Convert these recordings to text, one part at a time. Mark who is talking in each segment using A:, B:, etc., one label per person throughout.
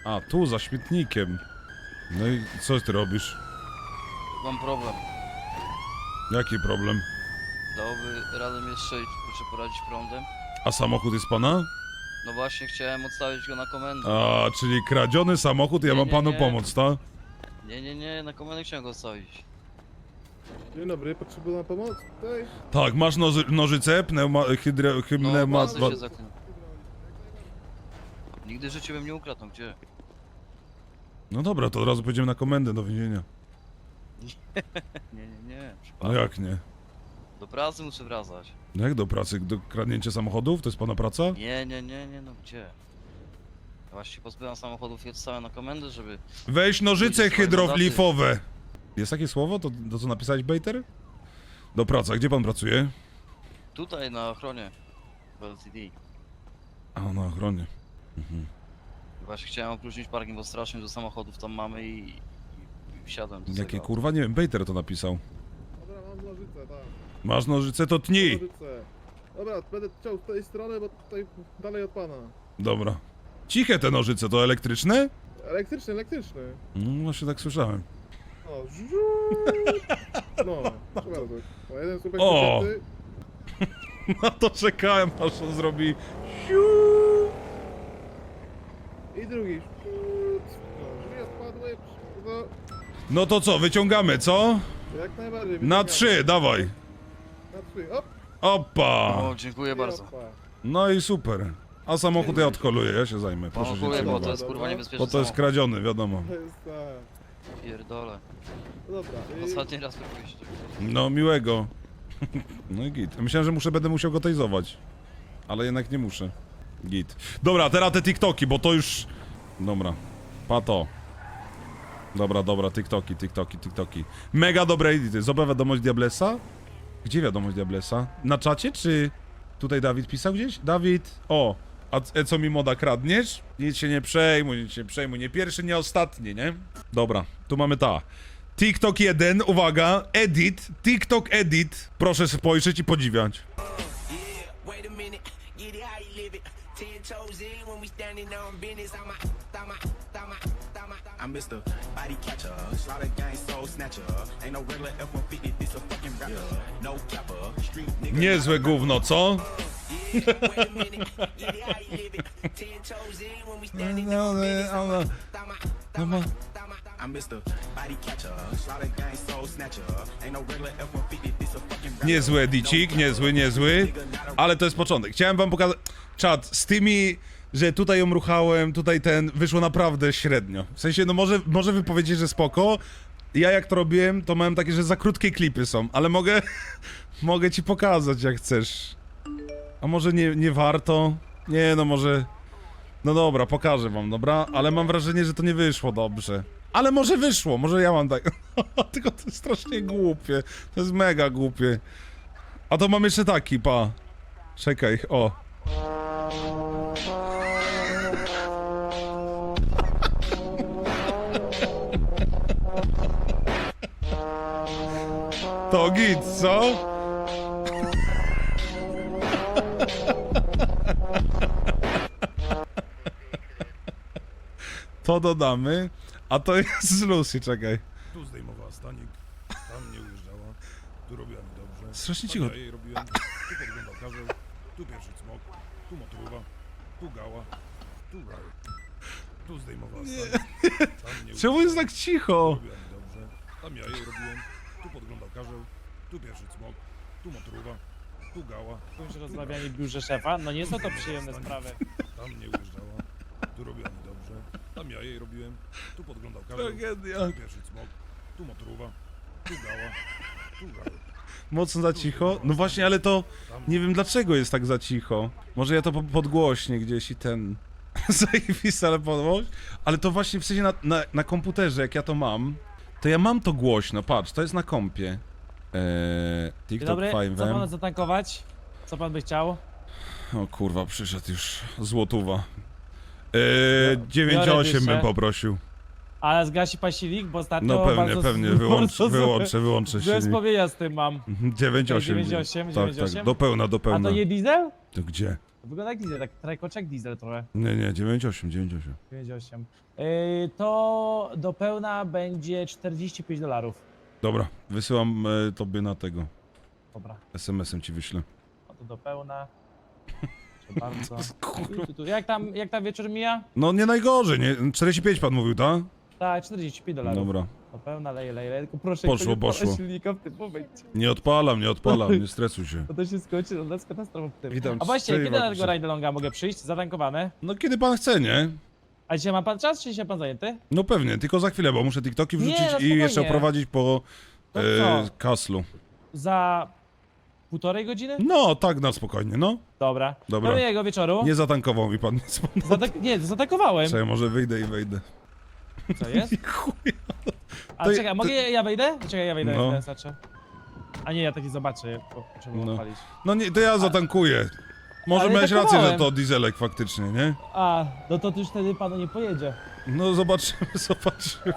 A: A, tu, za śmietnikiem. No i co ty robisz?
B: Mam problem.
A: Jaki problem?
B: Dałoby radę mnie strzelić, proszę poradzić prądem?
A: A samochód jest pana?
B: No właśnie, chciałem odstawić go na komendę.
A: A, czyli kradziony samochód, ja
B: Nie,
A: mam
B: nie,
A: panu
B: nie.
A: pomóc, tak?
B: Nie, na komendę chciałem go odstawić.
C: Dzień dobry, potrzebuję pomoc tutaj?
A: Tak, masz nożyce,
B: No,
A: ma...
B: pasy się zaknął. Nigdy w życiu bym nie ukradł, no gdzie?
A: No dobra, to od razu pójdziemy na komendę do więzienia.
B: Nie,
A: No
B: przypadek.
A: jak nie?
B: Do pracy muszę wracać.
A: No jak do pracy? Do kradnięcia samochodów? To jest pana praca?
B: Nie, no gdzie? Ja właśnie pozbyłem samochodów i odstałem na komendę, żeby...
A: Weź nożyce
B: Ludzie swoje
A: hydroflifowe! Jest takie słowo? To co napisałeś, Bejter? Do pracy, a gdzie pan pracuje?
B: Tutaj na ochronie. W LTD.
A: A, na ochronie.
B: Właśnie chciałem opróżnić parking, bo strasznie do samochodów tam mamy i wsiadłem do
A: Jakie
B: tego.
A: kurwa? Nie wiem, Bejter to napisał.
C: Dobra, mam nożyce, tak.
A: Masz nożyce, to tnij!
C: Nożyce. Dobra, będę chciał z tej strony, bo tutaj dalej od pana.
A: Dobra. Ciche te nożyce, to elektryczne?
C: Elektryczny.
A: No właśnie tak słyszałem.
C: O, żu. No, proszę bardzo. O, jeden słupek
A: O!
C: wycięty.
A: No to czekałem, aż on zrobi...
C: I drugi. No, drzwi odpadły. No,
A: No to co, wyciągamy, co?
C: jak najbardziej.
A: Na
C: wyciągamy.
A: 3, dawaj.
C: Na 3, op.
A: Opa!
B: O, dziękuję bardzo.
C: Opa.
A: No i super. A samochód ja odkoluję, ja się zajmę. Proszę się
B: Dziękuję, bo
A: trzymać.
B: to jest kurwa niebezpieczne.
A: Bo to jest kradziony, wiadomo.
C: To jest tak.
B: Pierdolę.
C: No dobra.
B: Ostatni raz próbuję się
A: No miłego. No i git. Myślałem, że będę musiał go tejzować. Ale jednak nie muszę. Git. Dobra, teraz te TikToki, bo to już... Dobra. Pato. Dobra, TikToki. Mega dobre edity. Zobacz wiadomość Diablesa? Gdzie wiadomość Diablesa? Na czacie, czy... Tutaj Dawid pisał gdzieś? Dawid, o. A co mi moda kradniesz? Nic się nie przejmuj, nie pierwszy, nie ostatni, nie? Dobra, tu mamy ta. TikTok 1, uwaga, edit, TikTok edit. Proszę spojrzeć i podziwiać.
D: Wait a minute, get it how you live it. 10 toes in when we standing on business. I'm Mr. Body Catcher, slaughter gang soul snatcher. Ain't no regular F-150, this a fucking rapper. No capper, street nigga.
A: Niezłe gówno, co?
D: Wait a minute, get it how you live it. 10 toes in when we standing on business. I'm Mr. Body Catcher, slaughter gang soul snatcher. Ain't no regular F-150, this a fucking rapper.
A: Niezły edicik, niezły. Ale to jest początek. Chciałem wam pokazać... Czad, z tymi... Że tutaj ją ruchałem, tutaj wyszło naprawdę średnio. W sensie, no może wy powiecie, że spoko. Ja jak to robiłem, to miałem takie, że za krótkie klipy są, ale mogę ci pokazać jak chcesz. A może nie warto? Nie, no może... No dobra, pokażę wam, dobra? Ale mam wrażenie, że to nie wyszło dobrze. Ale może wyszło, może ja mam tak... Tylko to jest strasznie głupie. To jest mega głupie. A to mam jeszcze taki, pa. Czekaj, o. To git, co? To dodamy, a to jest z Lucy, czekaj.
E: Tu zdejmowała stanik, tam nie ujeżdżała, tu robiła mi dobrze.
A: Strasznie
E: tam
A: cicho.
E: Ja jej robiłem, tu podglądał karzeł, tu pierwszy cmok, tu motruwa, tu gała, tu raj. Tu zdejmowała stanik, tam nie
A: Czemu jest tak cicho?
E: robiła mi dobrze, tam ja jej robiłem, tu podglądał karzeł, tu pierwszy cmok, tu motruwa, tu gała,
F: Już rozmawianie w biurze szefa, no nie są to przyjemne
E: stanik,
F: sprawy.
E: tam nie ujeżdżała, tu robiła mi dobrze, tam ja jej robiłem, tu podglądał karzeł,
A: Tragedia.
E: tu pierwszy cmok, tu motruwa, tu gała, tu raj.
A: Mocno za cicho? No właśnie, ale to... Nie wiem dlaczego jest tak za cicho. Może ja to podgłośnie gdzieś i ten... Zajebista, ale podgłoś. Ale to właśnie w sensie na komputerze, jak ja to mam, to ja mam to głośno, patrz, to jest na kompie.
F: Dzień
A: TikTok
F: dobry, co
A: 5M.
F: pana zatankować? Co pan by chciał?
A: O kurwa, przyszedł już złotówa.
F: Biorę
A: 9,8 bym
F: dyszę.
A: poprosił.
F: Ale zgasi pan silnik, bo ostatnio
A: No
F: bardzo...
A: pewnie, wyłączę
F: Złe
A: się.
F: wspomnienia z tym mam.
A: 9,8.
F: 9,8,
A: Tak,
F: 9,8?
A: tak, do pełna.
F: A to nie diesel?
A: To gdzie?
F: Wygląda jak diesel, tak trajkoczek diesel trochę.
A: Nie, 9,8, 9,8.
F: 98. To do pełna będzie $45.
A: Dobra, wysyłam tobie na tego.
F: Dobra,
A: SMS-em ci wyślę.
F: no to do pełna. Proszę bardzo. Jak tam wieczór mija?
A: No nie najgorzej, nie? 45 pan mówił, tak?
F: Tak, $45.
A: Dobra.
F: Do pełna, leję, tylko proszę
A: Poszło,
F: nie odpalać
A: poszło.
F: silnika w tym momencie.
A: Nie odpalam, nie stresuj się.
F: Bo to się skończy, no nas katastrofa w tym.
A: Witam
F: A właśnie,
A: cię,
F: kiedy na
A: Markusie.
F: tego Ride-alonga mogę przyjść? Zatankowane.
A: No kiedy pan chce, nie?
F: A dzisiaj ma pan czas, czy dzisiaj pan zajęty?
A: No pewnie, tylko za chwilę, bo muszę TikToki
F: Nie,
A: wrzucić
F: no
A: i jeszcze
F: spokojnie.
A: oprowadzić po
F: To co?
A: Kaslu.
F: Za 1,5 godziny?
A: No, tak na spokojnie, no.
F: Dobra.
A: Dobra.
F: Do miłego wieczoru.
A: Nie zatankował mi pan nic.
F: Nie, zaatakowałem.
A: Czekaj, może wyjdę i wejdę.
F: Co jest?
A: Chuj.
F: A
A: To-
F: czekaj, mogę ja wejdę? Czekaj, ja wejdę,
A: No.
F: no. Znaczy. A nie, ja taki zobaczę, bo trzeba
A: No.
F: odpalić.
A: No nie, to ja zatankuję. Może
F: Ale
A: miałeś rację, że
F: tankowałem.
A: to dieselek faktycznie, nie?
F: A, no to już wtedy panu nie pojedzie.
A: No zobaczymy, zobaczymy.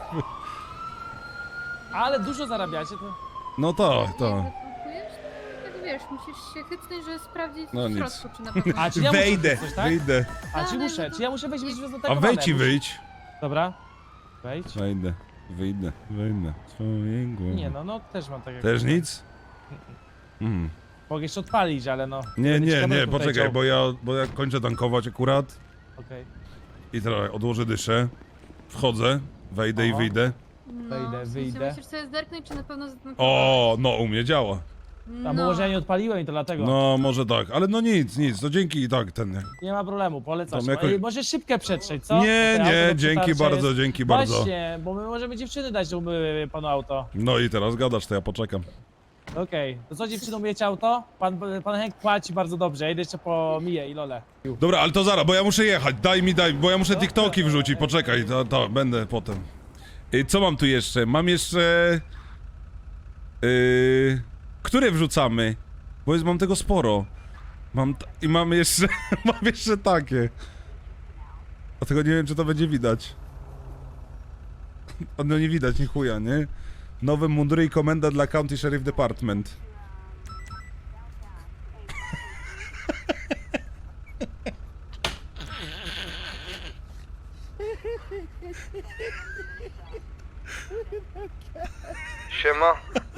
F: Ale dużo zarabiacie, to...
A: No tak,
G: Jak
A: tak.
G: wypompujesz, to tak wiesz, musisz się chytnąć, żeby sprawdzić
A: No
G: w
A: nic.
G: środku, czy na pewno...
F: A, czy ja
A: Wyjdę,
F: muszę coś, tak?
A: wyjdę.
F: A, czy
G: Ale
F: muszę?
G: no
F: Czy ja muszę wejść, być
A: A
F: zaatakowane?
A: wejdź i wyjdź.
F: Dobra. Wejdź.
A: Wejdę, wyjdę. Swojego.
F: Nie no też mam tak jak...
A: Też nic?
F: Mogę jeszcze odpalić, ale no...
A: Nie,
F: będę ci
A: nie,
F: kabelku
A: poczekaj,
F: wleciał.
A: bo ja kończę tankować akurat
F: Okej.
A: i teraz odłożę dyszę, wchodzę, wejdę i
F: Aha.
A: wyjdę.
G: No,
F: Wyjdę,
G: w sensie
F: wyjdę.
G: musisz sobie zerknąć, czy na pewno zatankować.
A: O, no u mnie działa.
F: A bo może ja nie odpaliłem i to dlatego.
A: No może tak, ale no nic, to dzięki i tak ten.
F: Nie ma problemu, polecam.
A: Tam jakoś-
F: Może szybkę przetrzeć, co?
A: Nie,
F: Bo to
A: nie,
F: auto do
A: dzięki
F: przetarcia
A: bardzo,
F: jest...
A: dzięki bardzo.
F: Właśnie, bo my możemy dziewczyny dać, że umyły panu auto.
A: No i teraz gadasz, to ja poczekam.
F: Okej, to co dziewczyną myjecie auto? Pan Henk płaci bardzo dobrze, ja idę jeszcze po Miję i Lolę.
A: Dobra, ale to zaraz, bo ja muszę jechać, daj, bo ja muszę TikToki wrzucić, poczekaj, to będę potem. Co mam tu jeszcze? Mam jeszcze... które wrzucamy? Bo mam tego sporo. I mam jeszcze, mam jeszcze takie. Dlatego nie wiem, czy to będzie widać. No nie widać, ni chuja, nie? Nowe mundury i komenda dla County Sheriff Department.
H: Siema.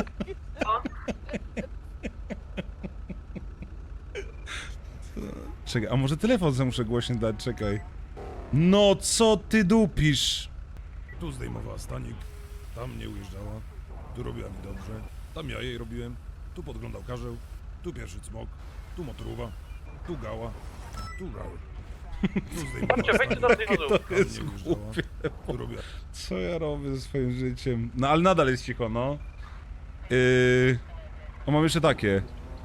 A: Czekaj, a może telefon sobie muszę głośno dać, czekaj. No co ty dupisz?
E: Tu zdejmowała stanik, tam nie ujeżdżała, tu robiła mi dobrze, tam ja jej robiłem, tu podglądał karzeł, tu pierwszy cmok, tu motruwa, tu gała, tu Raul. Tu zdejmowała stanik, tam nie ujeżdżała, tu robiła...
A: Co ja robię ze swoim życiem? No ale nadal jest cicho, no. O, mam jeszcze takie.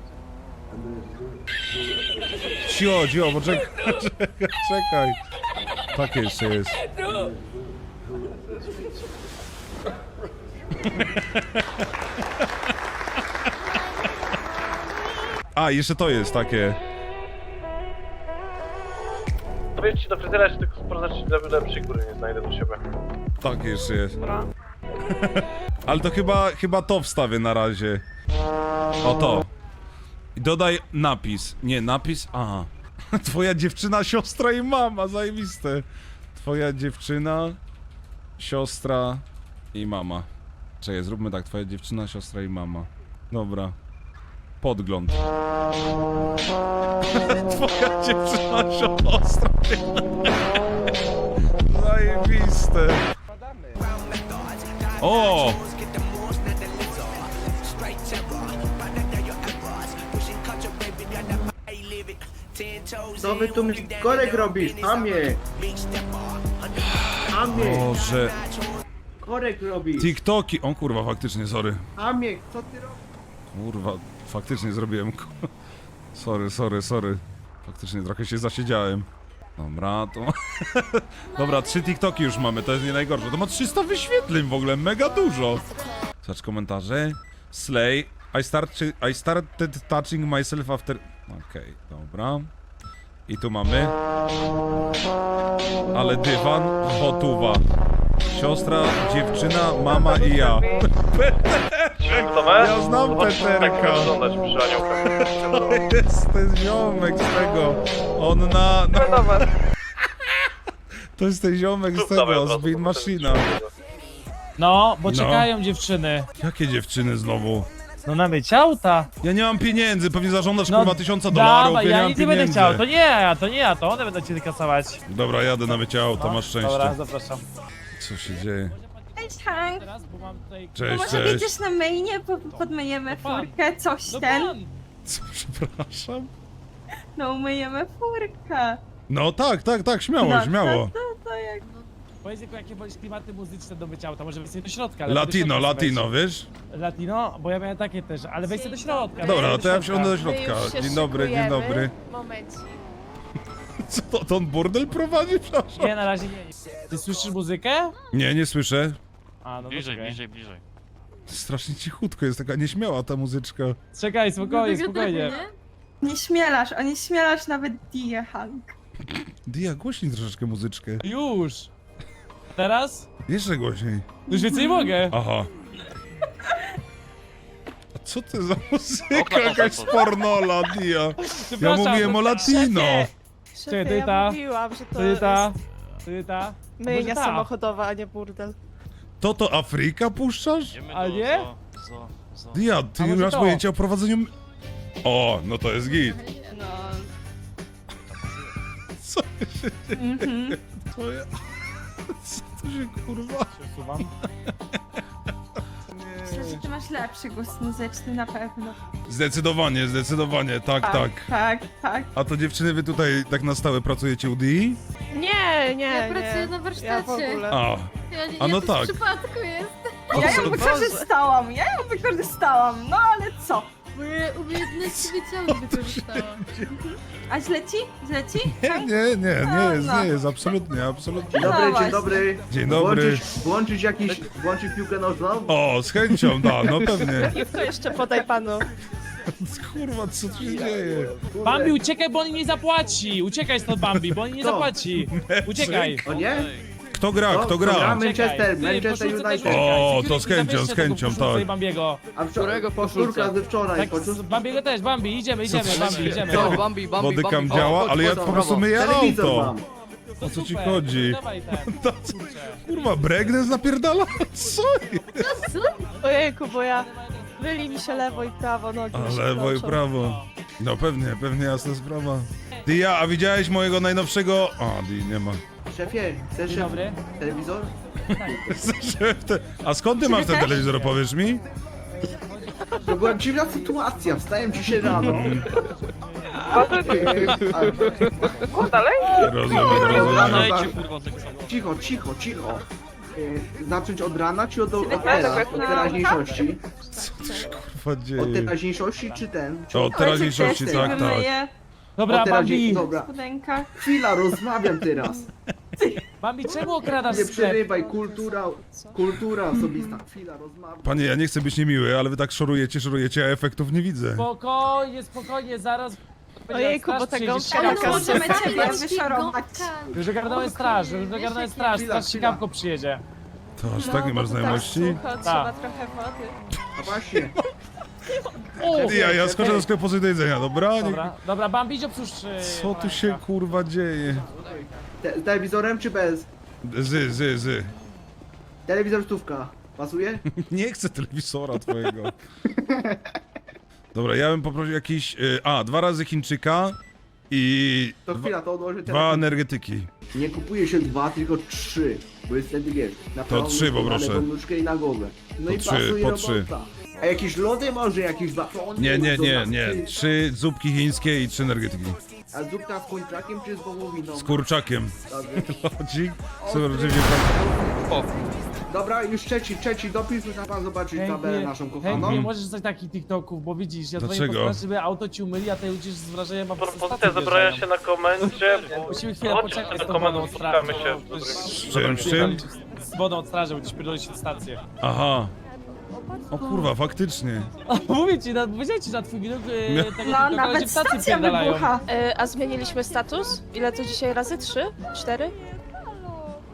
A: Cio, poczekaj, czekaj. Takie jeszcze jest. A, jeszcze to jest takie.
H: To wiesz ci do fryzjera, czy tylko sprawdzać lepszej góry nie znajdę do siebie.
A: Tak jeszcze jest. Ale to chyba to wstawię na razie. O to. I dodaj napis. Nie, napis. Aha. Twoja dziewczyna, siostra i mama. Zajebiste. Twoja dziewczyna, siostra i mama. Czekaj, zróbmy tak. Twoja dziewczyna, siostra i mama. Dobra. Podgląd. Twoja dziewczyna, siostra i mama. Zajebiste. O!
I: Co wy tu korek robisz? Amie! Amie!
A: Boże.
I: Korek robisz!
A: TikToki. O kurwa, faktycznie, sorry.
I: Amie, co ty robisz?
A: Kurwa, faktycznie zrobiłem. Sorry. Faktycznie trochę się zasiedziałem. Dobra, to... Dobra, 3 TikToki już mamy, to jest nie najgorsze. To ma 300 wyświetleń w ogóle, mega dużo. Zobacz komentarze. Slay. I started touching myself after... Okej, dobra. I tu mamy... Ale dywan, hotuwa. Siostra, dziewczyna, mama i ja. Ja znam Peterka.
H: Wyglądać przy aniołkach.
A: To jest ziomek z tego. On na... To jest ten ziomek z tego, z Bean Machina.
F: No, bo
A: No.
F: czekają dziewczyny.
A: Jakie dziewczyny znowu?
F: No na mycie auta.
A: Ja nie mam pieniędzy, pewnie zażądasz
F: No,
A: kurwa $1000,
F: dawaj,
A: ja nie
F: ja
A: mam
F: nic nie będę
A: pieniędzy.
F: chciał. To nie ja, to one będą cię kasować.
A: Dobra, jadę na mycie auta,
F: No,
A: masz szczęście.
F: Dobra, zapraszam.
A: Co się dzieje?
J: Cześć, Hank.
F: Teraz, bo mam tutaj...
A: Cześć,
J: Może
A: cześć.
J: wiedziesz na mainie, podmyjemy
F: pan.
J: furkę, coś
F: No
J: ten.
F: pan!
A: Co, przepraszam?
J: No umyjemy furkę.
A: No tak, śmiało,
J: No,
A: śmiało.
J: To jak...
F: Powiedz jakie bądź klimaty muzyczne do mycia auta, może weź sobie do środka. Ale
A: Latino,
F: do środka
A: latino,
F: weź.
A: wiesz?
F: Latino? Bo ja miałem takie też, ale weź sobie do środka.
A: Dobra,
F: weź
A: to ja
F: do
A: wsiądę do środka. Dzień dobry, dzień dobry.
J: Momencik.
A: Co to on burdel prowadzi, przepraszam?
F: Nie, na razie nie. Ty słyszysz muzykę?
A: Nie, nie słyszę.
F: A, no
B: Bliżej,
F: czekaj.
B: bliżej.
A: Strasznie cichutko, jest taka nieśmiała ta muzyczka.
F: Czekaj, spokojnie,
G: Dlatego
F: spokojnie.
G: trochę,
J: Nie śmielasz nawet die, Hank.
A: Dia, głośniej troszeczkę muzyczkę.
F: Już! Teraz?
A: Jeszcze głośniej.
F: Już więcej nie mogę.
A: Aha. A co to za muzyka?
B: Okna
A: Jakaś
B: potem.
A: pornola, Dia. Ja
F: Przepraszam.
A: mówiłem o latino.
F: Czekaj, ty ta, ty ta, ty ta. Myjnia
J: samochodowa, a nie burdel.
A: To Afryka puszczasz?
F: A nie?
A: Dia, ty
F: A
A: nie
F: może
A: masz
F: to?
A: pojęcia o prowadzeniu... O, no to jest git.
J: No.
A: Co się dzieje? Co ja... Co to się kurwa...
F: Przesuwam.
J: Myślę, że ty masz lepszy gust muzyczny na pewno.
A: Zdecydowanie, tak.
J: Tak.
A: A to dziewczyny, wy tutaj tak na stałe pracujecie u Dii?
J: Nie,
G: Ja pracuję na warsztacie.
A: A, A no
G: to
A: tak.
G: w przypadku jest.
J: Ja ją wykorzystałam, no ale co?
G: Moje umiejętności wyciągu wykorzystała.
J: A źle ci?
A: nie jest, absolutnie.
J: Dzień dobry.
A: Dzień dobry.
I: Włączyć piłkę nożną?
A: O, z chęcią, da, no pewnie.
J: To jeszcze podaj panu.
A: Kurwa, co tu się dzieje?
F: Bambi, uciekaj, bo on nie zapłaci! Uciekaj stąd, Bambi, bo on nie
I: Kto?
F: zapłaci! Uciekaj!
I: O nie?
A: Kto gra?
I: Kto gra?
F: Uciekaj.
I: Manchester
F: Ty,
I: United.
F: poszukaj,
A: O,
F: security,
A: to z chęcią,
F: zabierzcie tego,
A: tak.
F: poszukaj Bambiego.
I: A powtórka ze wczoraj.
F: Tak, Bambiego też, Bambi, idziemy, Bambi, idziemy.
A: Bodykam działa, ale ja po prostu myję
I: Telewizor
A: auto.
I: mam.
A: O co ci
F: Super,
A: chodzi?
F: Dawaj ten, kurczę.
A: Kurwa, breakdance napierdala? Co?
J: Ojejku, bo ja... Myli mi się lewo i prawo nogi.
A: A lewo i prawo. No pewnie jasna sprawa. Dia, a widziałeś mojego najnowszego... A, Di nie ma.
I: Szefie, chcesz
F: Dzień dobry.
I: telewizor?
A: A skąd ty masz ten telewizor, powiesz mi?
I: To była dziwna sytuacja, wstałem dzisiaj rano.
A: Rozumiem.
I: Cicho. Zacząć od rana czy od teraz? Od teraźniejszości?
A: Co tu się kurwa
I: Od
A: dzieje?
I: teraźniejszości czy ten? Czy
A: Od teraźniejszości, tak.
F: Dobra,
I: od
F: Bambi!
I: Dobra, chwila, rozmawiam teraz.
F: Bambi, czemu okradasz
I: Nie
F: sklep?
I: przerywaj, kultura osobista. Chwila, rozmawiam.
A: Panie, ja nie chcę być niemiły, ale wy tak szorujecie, a efektów nie widzę.
F: Spokojnie, zaraz...
J: Ojejku, bo ta gąbka
G: Ale
J: taka
G: możemy
J: możemy
G: ciebie
J: ciebie wyszorować.
F: Już ogarnąłem straż, straż sikawko przyjedzie.
A: To aż tak nie masz znajomości?
J: Trzeba trochę wody.
I: A właśnie,
F: O!
A: Dia, ja skoczę do sklepu coś do jedzenia, dobra?
F: Dobra, Bambi, idź obsłuż...
A: Co tu się kurwa dzieje?
I: z telewizorem czy bez?
A: Zy.
I: Telewizor stówka. Pasuje?
A: Nie chcę telewizora twojego. Dobra, ja bym poprosił jakiś... 2 razy Chińczyka i...
I: To chwila, to odłożę
A: 2
I: teraz.
A: energetyki.
I: Nie kupuje się 2, tylko 3. Bo jest wtedy wiesz, na prawą
A: 3
I: nóżkę,
A: poproszę.
I: na lewą nóżkę i na głowę. No
A: To
I: i
A: 3,
I: pasuje
A: po
I: robota.
A: 3.
I: A jakieś lody może, jakieś batony?
A: Nie. 3 zupki chińskie i 3 energetyki.
I: A zupka z kurczakiem czy z wołowiną?
A: Z kurczakiem.
I: Dobrze.
A: Lodzik? Super, oczywiście pan...
I: Dobra, już trzeci dopis, muszę pan zobaczyć tabelę naszą
F: Hank,
I: kochaną.
F: nie możesz coś takich TikToków, bo widzisz, ja dzwonię
A: Dlaczego?
F: po straż, żeby auto ci umyli, a ty ucisz z wrażeniem, a
H: Propozycja zebrania się na komendzie, bo...
F: Musimy chwilę
H: Chodźcie
F: poczekać
H: na
F: z tą
H: komendę,
F: wodą od straży.
H: spotkamy się.
A: Z czym?
F: Z wodą od straży, będziesz pierdolić się stację.
A: Aha. O kurwa, faktycznie.
F: Mówię ci, powiedziałem ci na twój widok, tego
J: No,
F: tylko
J: nawet
F: w stacji
J: stacja
F: pierdalają.
J: wybucha. A zmieniliśmy status? Ile to dzisiaj razy? 3? 4?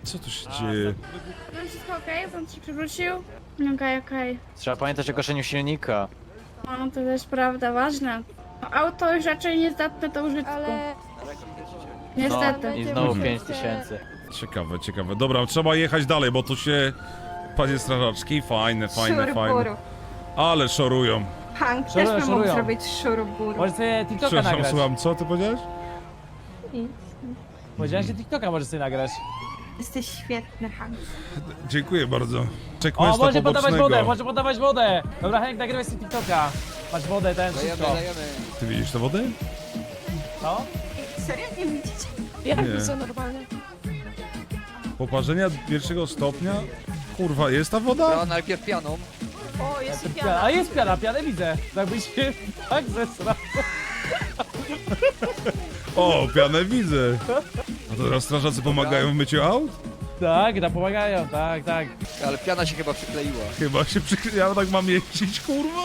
A: Co tu się dzieje?
G: Wszystko okej? Pan się przywrócił? Okej.
B: Trzeba pamiętać o gaszeniu silnika.
G: No to też prawda, ważne. Auto już raczej niezdatne do użytku.
J: Ale...
G: Niestety.
B: I znowu
J: Muszę-
B: 5000.
A: Ciekawe, ciekawe. Dobra, trzeba jechać dalej, bo tu się... Panie strażaczki, fajne. Ale szorują.
J: Hank
F: Szorują,
J: też by mógł
F: szorują.
J: zrobić szurubur.
F: Możesz sobie TikToka
A: Przepraszam,
F: nagrać.
A: słucham, co ty powiedziałeś?
F: Powiedziałeś, że TikToka możesz sobie nagrać.
J: Jesteś świetny, Hank.
A: Dziękuję bardzo.
F: O,
A: Checkpointa
F: może podawać wodę,
A: pobocznego.
F: może podawać wodę. Dobra, Henk, nagrywaj sobie TikToka. Masz wodę, ten, wszystko.
A: Ty widzisz tę wodę?
F: No?
J: Serio? Nie widzicie?
A: Nie.
J: widzę normalnie.
A: Poparzenia pierwszego stopnia? Kurwa, jest ta woda?
B: najpierw pianą.
J: O, jest i
F: Piana.
J: piana.
F: A jest piana, pianę widzę. Jakbyś się tak zesrał.
A: O, pianę widzę. A to teraz strażacy pomagają w myciu aut?
F: Tak, pomagają, tak.
B: Ale piana się chyba przykleiła.
A: Chyba się ja tak mam jeździć, kurwa?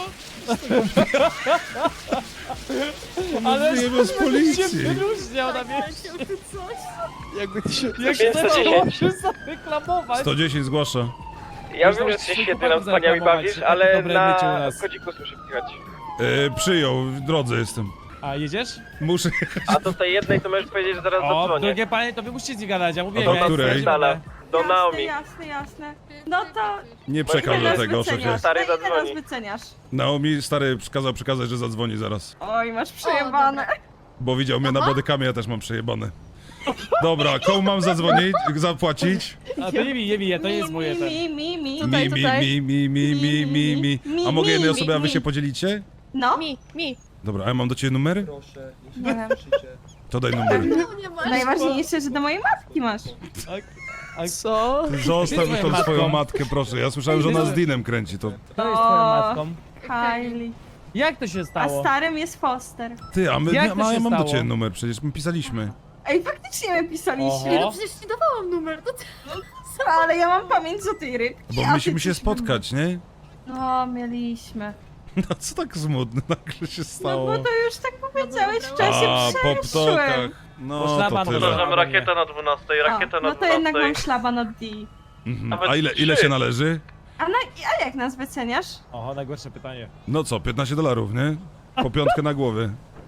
F: Ale
A: Wyjemy z
F: się
A: policji.
F: wyróżniał na mieście.
B: Jakby ty się...
F: Jak się może zareklamować.
A: 110 zgłasza.
H: Ja wiem, że ty się świetnie nam wspaniale bawisz, ale na kodziku słyszę kichać.
A: Przyjął, w drodze jestem.
F: A jedziesz?
A: Muszę...
H: A do tej jednej to możesz powiedzieć, że zaraz
F: O,
H: zadzwonię.
F: drugie panie, to wy musicie z nim gadać, ja mówię.
A: A do
F: ja
A: której?
F: jestem
H: Dala. Do Naomi.
J: Jasne. No to...
A: Nie przekażę
J: ile nas
A: tego, szefie.
J: wyceniasz?
H: Stary
J: No ile nas
H: zadzwoni.
J: wyceniasz?
A: Naomi, stary, kazał przekazać, że zadzwoni zaraz.
J: Oj, masz przejebane.
A: Bo widział mnie na bodykamię, ja też mam przejebane. Dobra, komu mam zadzwonić? Zapłacić?
F: A to nie mi, to nie jest moje ten.
J: Mi.
A: Mi. A mogę jednej osobie, a wy się podzielicie?
J: No.
G: Mi.
A: Dobra, a ja mam do ciebie numery?
J: Nie wiem.
A: To daj numery.
G: Nie masz.
J: Najważniejsze, że do mojej matki masz.
G: Co?
A: Zostaw
F: Ty
A: tą
F: swoją
A: swoją
F: matką.
A: matkę, proszę. Ja słyszałem, że ona z Dinem kręci to.
F: To jest twoją matką.
J: Kylie.
F: Jak to się
J: A
F: stało?
J: starym jest Foster.
A: Ty, a my,
F: Jak to
A: ja
F: się
A: mam do
F: stało?
A: ciebie numer, przecież my pisaliśmy.
J: Ej, faktycznie my pisaliśmy.
F: Oho.
G: No przecież ci dawałam numer. No
J: Ale ja mam pamięć do tej rybki.
A: Bo
J: a ty
A: musimy się
J: coś
A: spotkać, nie?
J: No, mieliśmy.
A: No co tak smutne nagle się
J: No
A: stało?
J: bo to już tak powiedziałeś w czasie
A: A, po
J: przeszłym.
A: ptokach. No to
F: szlaban
A: tyle.
F: może.
H: Przepraszam, rakieta na 12, rakieta na
J: No to jednak
H: 12.
J: mam szlaban od D.
A: Mhm.
H: Nawet
A: A ile
H: trzy.
A: się należy?
J: A jak nas wyceniasz?
F: Oho, najgorsze pytanie.
A: No co, $15, nie? Po piątkę na głowie.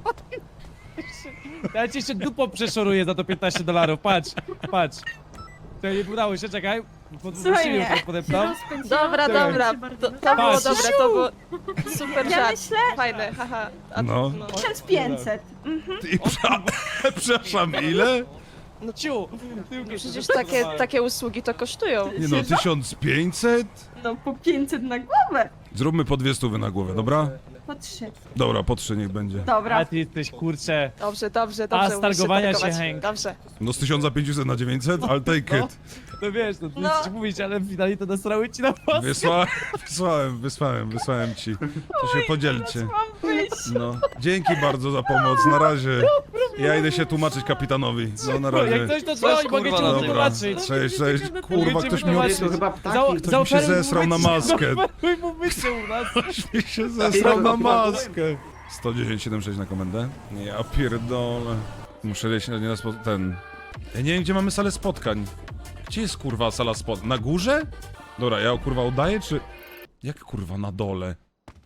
F: Ja ci jeszcze dupą przeszoruję za to $15, patrz. To nie udało się, czekaj.
J: Słuchaj mnie.
F: Podepnął.
G: Dobra,
F: dobra.
G: To
F: było dobre,
G: to było super
J: Ja myślę
G: Fajne, haha.
A: No.
J: 1500.
A: I przepraszam, ile?
F: No ciu!
G: Przecież takie usługi to kosztują.
A: Nie no, 1500?
J: No po 500 na głowę.
A: Zróbmy po 200 na głowę, dobra?
J: Po 3.
A: Dobra, po 3 niech będzie.
J: Dobra.
F: A ty jesteś, kurczę.
G: Dobrze.
F: A z targowania się, Hank.
G: Dobrze.
A: No z 1500 na 900, ale take it.
F: No wiesz, no ty
J: No.
F: chcesz mówić, ale w finale to nasrały ci na pas.
A: Wysłałem ci. To się podzielcie.
J: Mam wyjść.
A: No. Dzięki bardzo za pomoc, na razie. Ja idę się tłumaczyć kapitanowi. No na razie.
F: Jak coś to dzwoni, mogę ci
B: kurwa,
A: Dobra,
F: wytłumaczyć.
A: cześć. Kurwa, ktoś mi
F: wytłumaczyć.
I: To chyba ptaki.
A: Ktoś mi się
F: Zaoferuj mu
A: zesrał na
F: mycie.
A: maskę.
F: Zaoferuj mu mycie u nas.
A: Ktoś mi się zesrał na maskę. 110,76 na komendę. Ja pierdolę. Muszę leć na ten... Ja nie wiem, gdzie mamy salę spotkań. Gdzie jest kurwa sala spotkań? Na górze? Dobra, ja kurwa udaję, czy... Jak kurwa na dole?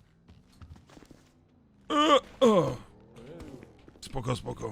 A: Spoko.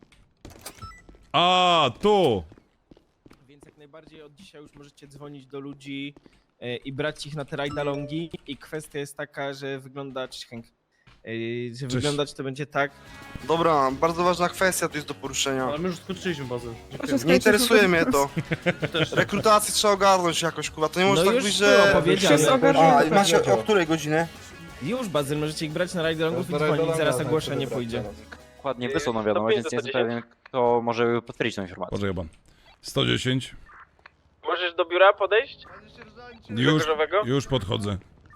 A: A, tu!
K: Więc jak najbardziej od dzisiaj już możecie dzwonić do ludzi i brać ich na te ride-alongi i kwestia jest taka, że wygląda... Cześć, Hank. Że wyglądać to będzie tak...
C: Dobra, bardzo ważna kwestia tu jest do poruszenia.
H: Ale my już skończyliśmy bazę.
C: Nie interesuje mnie to. Rekrutację trzeba ogarnąć jakoś, kurwa. To nie może
K: No
C: tak
K: już
C: być,
K: było
C: że...
K: powiedziane.
C: A, macie o której godzinie?
K: Już, Bazyl, możecie ich brać na ride-alongów i dzwonić, zaraz ogłoszenie pójdzie.
B: Dokładnie wysłał nam wiadomość, więc nie jestem pewien, kto może potwierdzić tą informację.
A: Poczekaj pan. 110.
H: Możesz do biura podejść?
A: Już,
H: Różowego?
A: już podchodzę.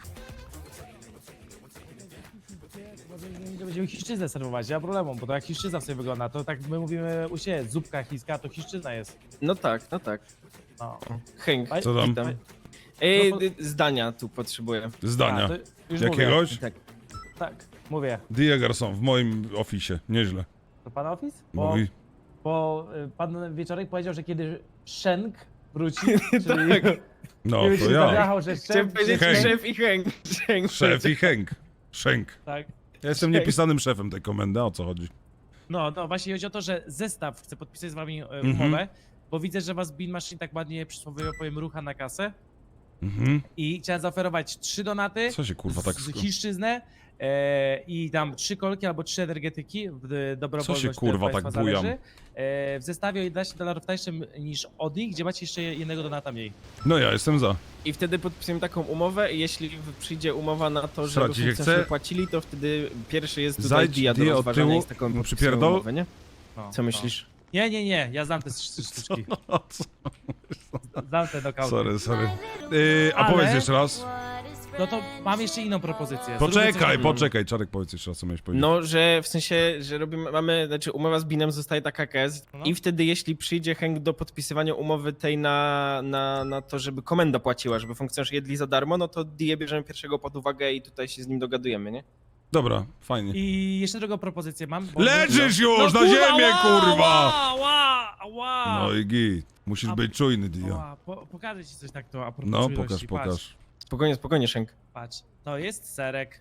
F: Będziemy chiszczyznę serwować, nie ma problemu, bo to jak chiszczyzna sobie wygląda, to tak my mówimy u siebie, zupka chińska, to chiszczyzna jest.
K: No tak.
F: No.
K: Hank,
F: A-
A: Co tam?
K: witam. Zdania tu potrzebuję.
A: Zdania.
F: A, to już
A: Jakiegoś?
F: Mówię. Tak, mówię.
A: Dia Garçon, w moim oficie. Nieźle.
F: To pan office?
A: Mówi.
F: Bo pan Wieczorek powiedział, że kiedy Shenk wróci, czyli...
A: No,
F: Gdybyś
A: to
F: się
A: ja.
F: zajechał, że
K: Chciałem powiedzieć
A: Henk.
K: szef i Henk.
A: Szef i Henk. Szenk.
F: Tak.
A: Ja jestem niepisanym szefem tej komendy, o co chodzi?
F: No, właśnie chodzi o to, że zestaw chce podpisać z wami
A: Mhm.
F: umowę, bo widzę, że was Bean Machine tak ładnie przysłowiowo powiem rucha na kasę
A: Mhm.
F: i chciałem zaoferować 3 donaty,
A: Co się kurwa tak...
F: z chińszczyznę i tam 3 kolki albo 3 energetyki, dobrowolność
A: Co się, kurwa,
F: to od
A: tak
F: państwa
A: bujam?
F: zależy. W zestawie o $11 tańszym niż od nich, gdzie macie jeszcze jednego donata mniej.
A: No ja jestem za.
K: I wtedy podpisujemy taką umowę i jeśli przyjdzie umowa na to, żeby
A: Stracić się
K: funkcjonariusze
A: chce?
K: płacili, to wtedy pierwszy jest tutaj
A: Zajdź
K: dia do
A: dia od
K: rozważania
A: tyłu,
K: i z taką
A: no
K: podpisujemy
A: przypierdol.
K: umowę, nie?
F: No,
K: Co myślisz?
F: Nie, ja znam te sztuczki.
A: O, co?
F: Znam te knockouty.
A: Sorry. A
F: Ale-
A: powiedz jeszcze raz.
F: No to mam jeszcze inną propozycję. Zróbmy coś takiego.
A: Poczekaj, Czarek, powiedz jeszcze raz, co miałeś powiedzieć.
K: No, że w sensie, że znaczy umowa z Binem zostaje taka jaka jest
F: No.
K: i wtedy jeśli przyjdzie Henk do podpisywania umowy tej na to, żeby komenda płaciła, żeby funkcjonariusze jedli za darmo, no to Die bierzemy pierwszego pod uwagę i tutaj się z nim dogadujemy, nie?
A: Dobra, fajnie.
F: I jeszcze drugą propozycję mam. Bo
A: Leżysz już na
F: kurwa,
A: ziemię, kurwa!
F: Ła!
A: No i git. Musisz być czujny, Dio.
F: Ła, pokażę ci coś tak to a propos
A: No,
F: czujności.
A: pokaż.
K: Spokojnie, Henk.
F: Patrz, to jest serek.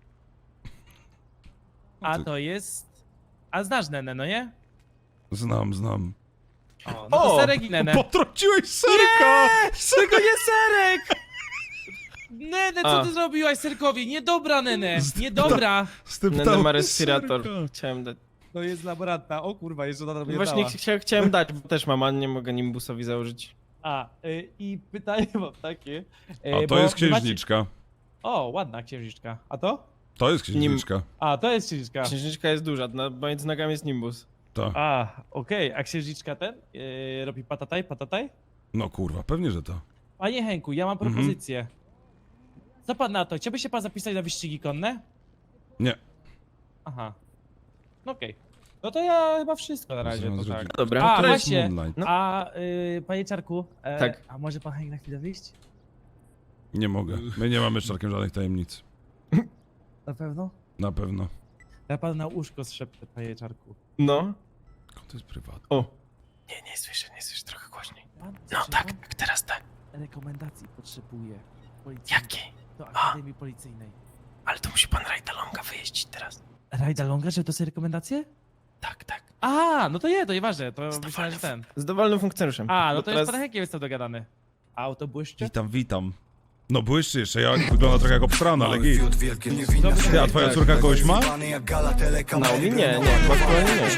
A: No
F: A
A: ty-
F: to jest... A znasz Nenę, no nie?
A: Znam.
F: O, no to
K: O!
F: serek i Nenę.
A: Potrąciłeś serka!
F: Tylko nie serek! Nenę, co
K: A.
F: ty zrobiłaś serkowi? Niedobra, Nenę! Niedobra!
K: Nenę ma respirator. Chciałem dać.
F: To jest laboranta. O kurwa, jeszcze ona mnie
K: Właśnie
F: dała.
K: chciałem dać, bo też mam, a nie mogę nimbusowi założyć.
F: I pytanie mam takie.
A: A to
F: bo
A: jest
F: wy macie-
A: księżniczka.
F: O, ładna księżniczka. A to?
A: To jest księżniczka.
F: A, to jest księżniczka.
K: Księżniczka jest duża, między nogami jest nimbus.
A: Ta.
F: Okej. A księżniczka ten? Robi patataj?
A: No kurwa, pewnie, że to.
F: Panie Henku, ja mam propozycję. Co pan na to? Chciałby się pan zapisać na wyścigi konne?
A: Nie.
F: Aha. Okej. No to ja chyba wszystko na razie, to tak.
K: Dobra.
F: A,
A: To jest
F: właśnie.
A: Moonlight.
K: No.
F: A, panie Czarku,
K: Tak.
F: a może pan Henk na chwilę wyjść?
A: Nie mogę. My nie mamy z Czarkiem żadnych tajemnic.
F: Na pewno?
A: Na pewno.
F: Ja pan na łóżko zszepnę, panie Czarku.
K: No.
A: To jest prywatne.
K: O. Nie słyszę, trochę głośniej. No tak, teraz tak.
F: Rekomendacji potrzebuję.
K: Jakiej?
F: Do Akademii Policyjnej.
K: Ale to musi pan Rajdalonga wyjeździć teraz.
F: Rajda Longa, żeby to są rekomendacje?
K: Tak.
F: No to nieważne, to myślałem, że ten.
K: Z dowolnym funkcjonariuszem.
F: No
K: Bo
F: to jest pan Henkiem jestem dogadany. Auto błyszczy?
A: Witam. No błyszczy jeszcze, ja wygląda trochę jak obstrana, ale git.
F: Dobry
A: Ty, a twoja córka kogoś ma?
K: Naomi nie, aktualnie nie.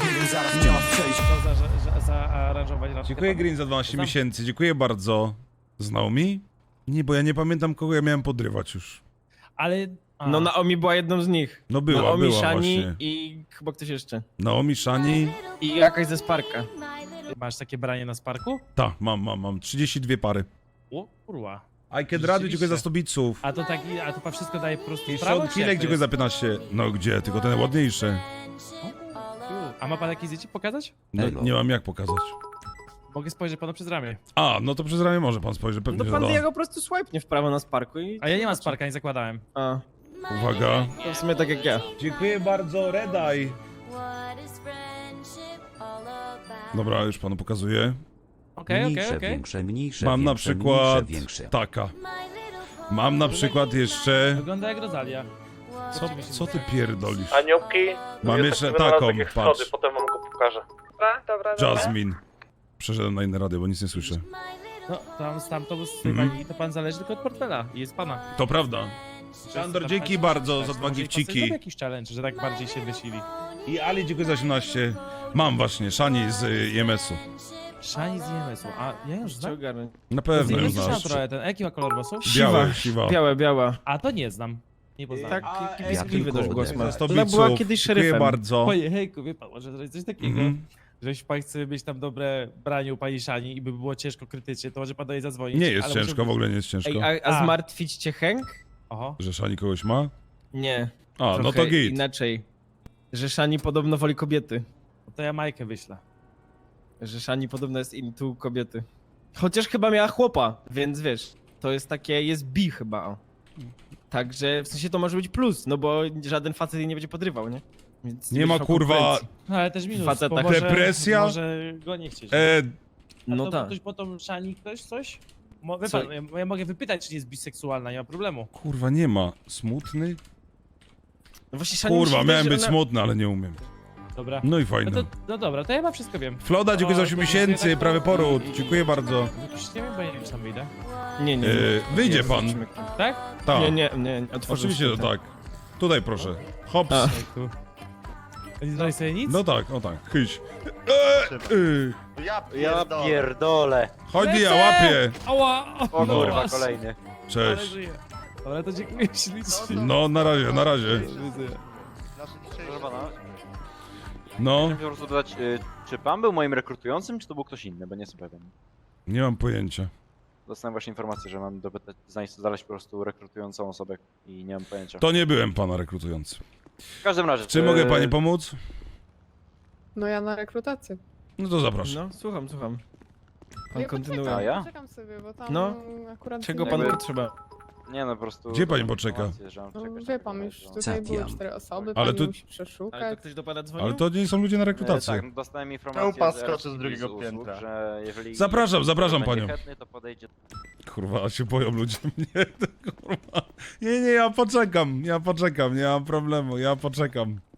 F: Co zaaranżować raczej.
A: Dziękuję Green za 12
F: Za-
A: miesięcy, dziękuję bardzo. Znał mi? Nie, bo ja nie pamiętam, kogo ja miałem podrywać już.
F: Ale...
K: No Naomi była jedną z nich.
A: No była
K: Naomi, Shani
A: właśnie.
K: i chyba ktoś jeszcze.
A: Naomi, Shani.
K: I jakaś ze Sparka.
F: Masz takie branie na Sparku?
A: Ta, mam 32 pary.
F: O, kurwa.
A: I can rady, dziękuję za 100 bitsów.
F: A to pan wszystko daje po prostu
A: I
F: w prawo,
A: Sean
F: czy jak
A: Kilek,
F: to
A: dziękuję za
F: jest?
A: 15. No gdzie, tylko ten ładniejszy.
F: A ma pan jakieś zdjęcie pokazać?
A: No, nie mam jak pokazać.
F: Mogę spojrzeć panu przez ramię.
A: A, no to przez ramię może pan spojrzy, pewnie,
K: No
A: że
K: pan
A: da.
K: Diego po prostu swipe w prawo na Sparku i...
F: A ja nie mam Sparka, nie zakładałem.
K: A,
A: Uwaga.
K: to w sumie tak jak ja.
A: Dziękuję bardzo, Redeye. Dobra, już panu pokazuję.
F: Okej.
L: Mniejsze,
A: Mam na przykład
L: większe.
A: taka. Mam na przykład jeszcze...
F: Wygląda jak Rosalia.
A: Co ty pierdolisz?
H: Aniołki.
A: Mam
H: jest
A: jeszcze
H: taki wynalazek
A: taką,
H: jak
A: patrz.
H: schody, potem wam go pokażę. Dobra.
A: Jasmine. Przeszedłem na inne radio, bo nic nie słyszę.
F: No, to z tej
A: Mhm.
F: pani, to pan zależy tylko od portfela i jest pana.
A: To prawda. Szandor, dzięki bardzo za 2 gifciki.
F: Zrobię jakiś challenge, że tak bardziej się wysili.
A: I Ali, dziękuję za 18. Mam właśnie, Shani z IMS-u.
F: Shani z IMS-u, a ja już
K: Cię
F: znam.
K: ogarnę.
A: Na
F: Z
A: pewno ją
F: IMS-u znam
A: znasz.
F: trochę ten, jaki ma kolor włosów?
A: Siwa.
K: Biała.
F: A to nie znam. Nie poznałem.
K: Tak,
L: ja
K: piskliwy
L: tylko
K: dość głos ma.
A: Za 100
K: Ona była
A: bitsów.
K: kiedyś
A: Dziękuję
K: szeryfem.
A: bardzo.
F: Panie hejku, wie pan, może zrobić coś takiego,
A: Mhm.
F: że jeśli pan chce mieć tam dobre branie u pani Shani i by było ciężko krytycznie, to może pan do niej zadzwonić.
A: Nie jest
F: ale
A: ciężko,
F: może-
A: w ogóle nie jest ciężko.
K: Ej, a zmartwić cię Henk?
F: Oho.
A: Że Shani kogoś ma?
K: Nie.
A: A, no
K: Trochę
A: to git.
K: inaczej. Że Shani podobno woli kobiety.
F: No to ja Majkę wyślę.
K: Że Shani podobno jest into kobiety. Chociaż chyba miała chłopa, więc wiesz, to jest takie, jest bi chyba. O. Także w sensie to może być plus, no bo żaden facet jej nie będzie podrywał, nie? Więc
A: Nie ma
K: będziesz miał
A: kurwa...
K: konkurencji.
F: No ale też minus,
K: Faceta
F: bo
K: tak.
F: może,
A: Depresja?
F: może go nie chcieć.
K: No
F: to
K: tak.
F: ktoś potem szani ktoś coś? Wie
K: Co?
F: pan, ja mogę wypytać, czy nie jest biseksualna, nie ma problemu.
A: Kurwa, nie ma. Smutny?
K: No właśnie Szani mi się
A: Kurwa,
K: wydaje,
A: miałem
K: że
A: być
K: ona-
A: smutny, ale nie umiem.
F: Dobra.
A: No i fajnie.
F: No dobra, to ja chyba wszystko wiem.
A: Floda, dziękuję za
F: O,
A: 8
F: to
A: miesięcy,
F: tak-
A: prawy poród. Dziękuję bardzo.
F: Już nie wiem, bo ja nie wiem, czy tam wyjdę.
K: Nie, nie.
A: Wyjdzie
K: Jezu,
A: pan.
K: zobaczymy.
F: Tak?
A: Tak.
K: Nie, otworzył
A: Oczywiście,
K: się
A: że tak. Tutaj proszę. Hops.
K: A.
F: Ej, tu. A nie znaleźć sobie nic?
A: No tak, o tak. Chyś.
H: Ja pierdolę.
A: Chodź, ja łapię.
F: Ała!
H: O
A: No.
H: kurwa, kolejny.
F: Ale
A: Cześć.
F: żyję. Dobra, to dziękuję ślicznie.
A: No, na razie, na razie.
H: Proszę pana,
A: No,
H: chciałem po prostu dodać, czy pan był moim rekrutującym, czy to był ktoś inny, bo nie jestem pewien.
A: nie mam pojęcia.
H: Dostałem właśnie informację, że mam znaleźć po prostu rekrutującą osobę i nie mam pojęcia.
A: To nie byłem pana rekrutujący.
H: W każdym razie...
A: Czy mogę pani pomóc?
J: No ja na rekrutację.
A: No to zapraszam.
K: No, słucham. Pan kontynuuje.
H: A ja?
J: Czekam sobie, bo tam
K: No.
J: akurat...
K: Czego
J: nie-
K: panu
H: Jakby-
K: potrzeba?
H: Nie no, po prostu...
A: Gdzie pani
H: dostałem
A: poczeka?
H: informację, że mam
J: No,
H: czekać
J: wie
H: na
J: pan,
H: chwilę,
J: już
H: że-
J: tutaj były 4 osoby,
A: Ale
J: pani
A: to-
J: musi
K: Ale
J: przeszukać.
K: to ktoś do pana dzwonił?
A: Ale to nie są ludzie na rekrutację.
H: Tak, dostałem informację
C: Upas
H: z
C: skoczy z
H: RSI
C: drugiego
H: usług,
C: piętra.
H: że jeżeli...
A: Zapraszam
H: będzie
A: panią.
H: chętny, to podejdzie...
A: Kurwa, się boją ludzie mnie. Kurwa. Nie, ja poczekam, nie ma problemu, ja poczekam.